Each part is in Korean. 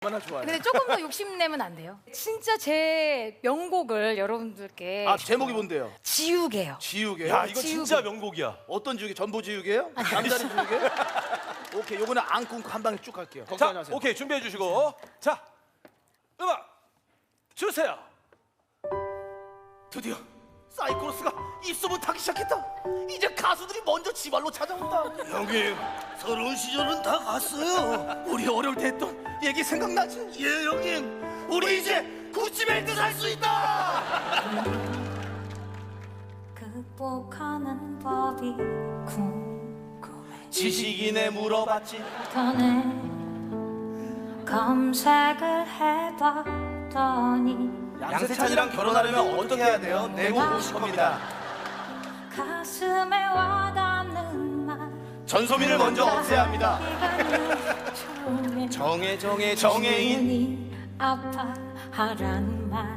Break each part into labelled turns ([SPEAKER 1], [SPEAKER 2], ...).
[SPEAKER 1] 얼마나 좋아요.
[SPEAKER 2] 근데 조금 더 욕심내면 안 돼요. 진짜 제 명곡을 여러분들께.
[SPEAKER 1] 아, 제목이 뭔데요?
[SPEAKER 2] 지우개요.
[SPEAKER 1] 지우개.
[SPEAKER 3] 야, 이거
[SPEAKER 2] 지우개.
[SPEAKER 3] 진짜 명곡이야.
[SPEAKER 1] 어떤 지우개? 전보 지우개요? 남다리 지우개? 오케이, 요거는 안 끊고 한 방에 쭉 갈게요.
[SPEAKER 3] 자,
[SPEAKER 1] 걱정 마세요.
[SPEAKER 3] 오케이, 준비해 주시고. 자, 음악 주세요.
[SPEAKER 1] 드디어 사이코로스가 입소문 타기 시작했다. 이제 가수들이 먼저 지발로 찾아온다. 형님, 서러운 시절은 다 갔어요. 우리 어려울 때 했던 얘기 생각나지? 예, 형님. 우리 이제 구찌벨트 살 수 있다.
[SPEAKER 4] 극복하는 법이 궁금해.
[SPEAKER 1] 지식인에 물어봤지.
[SPEAKER 4] 전에 검색을 해봤더니
[SPEAKER 1] 양세찬이랑 결혼하려면 어떻게 해야 돼요? 내고 50겁니다.
[SPEAKER 4] 가슴에 와닿는 말
[SPEAKER 1] 전소민을 먼저 없애야 합니다. 정해인.
[SPEAKER 4] 이 아파하란 말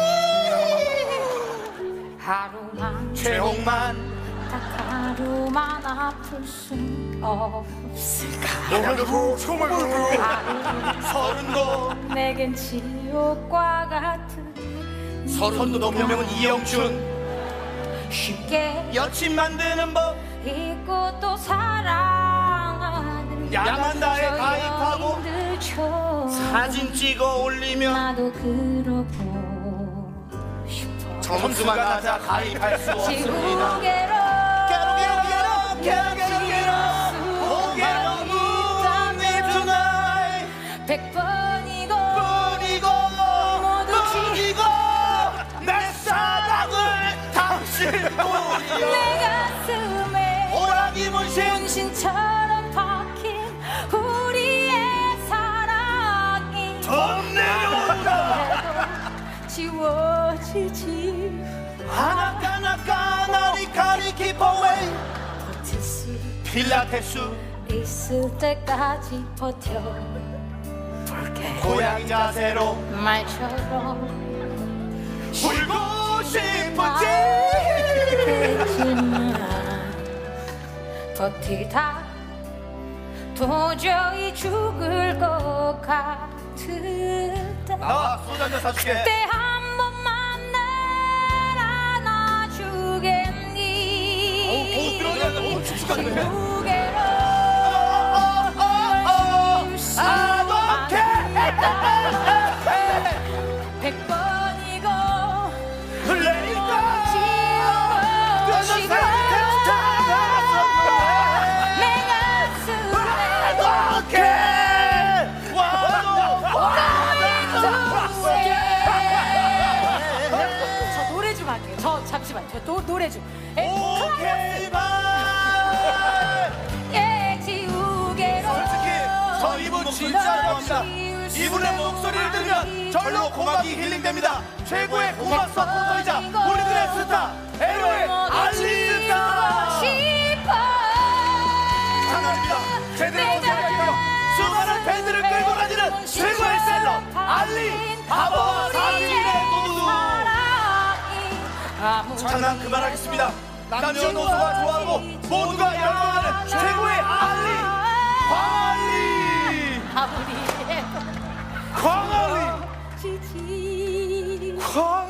[SPEAKER 4] 하루만
[SPEAKER 1] 최홍만.
[SPEAKER 4] 딱 하루만 아플 순 없을까.
[SPEAKER 1] 하루 서른도.
[SPEAKER 4] 내겐 지옥과 같은
[SPEAKER 1] 서른도 넘는 명은 이영춘.
[SPEAKER 4] 쉽게
[SPEAKER 1] 여친 만드는 법.
[SPEAKER 4] 잊고 또 사랑하는
[SPEAKER 1] 야만다에 가입하고
[SPEAKER 4] 여인들처럼
[SPEAKER 1] 사진 찍어 올리면
[SPEAKER 4] 나도 그러고 싶어.
[SPEAKER 1] 점수가 낮아 가입할 수 없습니다.
[SPEAKER 4] 지우개로 백 번이고 모두
[SPEAKER 1] 내 사랑을 당신
[SPEAKER 4] 내 가슴에
[SPEAKER 1] 오라기
[SPEAKER 4] 문신처럼 박힌 우리의 사랑이
[SPEAKER 1] 돈 내려온다.
[SPEAKER 4] 지워지지
[SPEAKER 1] 하나까나까 나리까리 기포웨이
[SPEAKER 4] 버틸 수
[SPEAKER 1] 필라테스
[SPEAKER 4] 있을 때까지 버텨볼게.
[SPEAKER 1] 고양이 자세로
[SPEAKER 4] 말처럼
[SPEAKER 1] 울고 싶은지
[SPEAKER 4] 그렇지만 버티다 도저히 죽을 것 같을 때
[SPEAKER 1] 나와 소주 한잔 사줄게.
[SPEAKER 4] 그때 한 번만 날 안아주겠니.
[SPEAKER 1] 들어가야 축축하네.
[SPEAKER 4] 무게로 백 번이고 지우고 내 가슴에 저 노래 좀 할게요. 저 잠시만 저 노래 좀.
[SPEAKER 1] 오케이 바이.
[SPEAKER 4] 예, 지우개로
[SPEAKER 1] 솔직히 저 이분 진짜 좋아합니다. 이분의 목소리를 들으면 절로 고막이 힐링됩니다. 최고의 고막 서포터이자 우리들의 스타 LO의 알리스타. 장난입니다. 제대로 고생할게요. 수많은 팬들을 끌고 다니는 최고의 셀러 알리 바보와 사진의 도두두. 장난 그만하겠습니다. 남녀노소가 좋아하고 모두가 열광하는 최고의 알리 광알리. 광알리.
[SPEAKER 4] 지지
[SPEAKER 1] 광